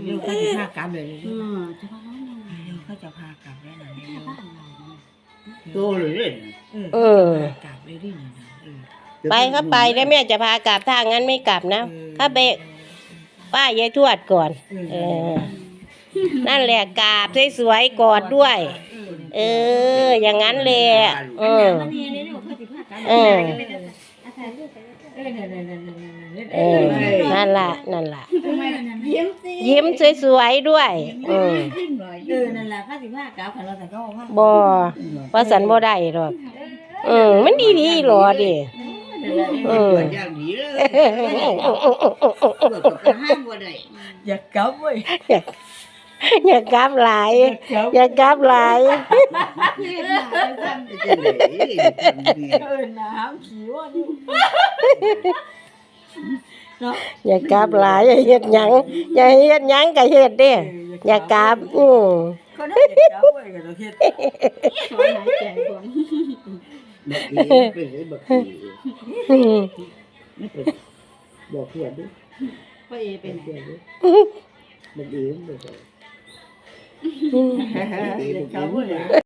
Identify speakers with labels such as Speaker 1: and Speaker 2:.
Speaker 1: เดี๋ยวเขาจะพากลับเลย
Speaker 2: จะพาน้อง
Speaker 1: เดี๋ยวเขาจะพากลับแล้วนะเดี๋ยว
Speaker 2: บ้านเรา
Speaker 3: โตเลยเนี่ย
Speaker 1: กลับเลยดิเนี่ยนะ
Speaker 4: ไปก็ไปแล้วแม่จะพากลับถ้างั้นไม่กลับนะถ้าไปป้ายายทวดก่อนนั่นแหละกราบสวยๆกอดด้วยอย่างนั้นเลยนั่นล่ะยิ้มสวยๆด้วย
Speaker 1: นั่นแหละข้าสิพากลับขันเราแต่ก็พา
Speaker 4: บ่ว่าสันบ่ได้หรอกมันดีๆหรอดิ
Speaker 3: อย่างดีเลยห้ามบ่ได้
Speaker 1: อยากกลับเว้ย
Speaker 4: อย่ากลับหลายอย่ากลับหลาย
Speaker 1: น้ำขี้ว่าอยู่
Speaker 4: อย่ากลับหลายอย่าเฮ็ดหยังอย่าเฮ็ดหยังก็เฮ็ดเด้อย่ากลับ
Speaker 1: เขาได้อยากกลับเว้ยก็ต้องเฮ็ด
Speaker 2: ขอหายใจก่อน
Speaker 3: ไม่เป็นบอกเพื่อนดิ
Speaker 2: พ่อเอเป็นไง
Speaker 3: บอกเองบอก
Speaker 1: อยากกลับเว้ย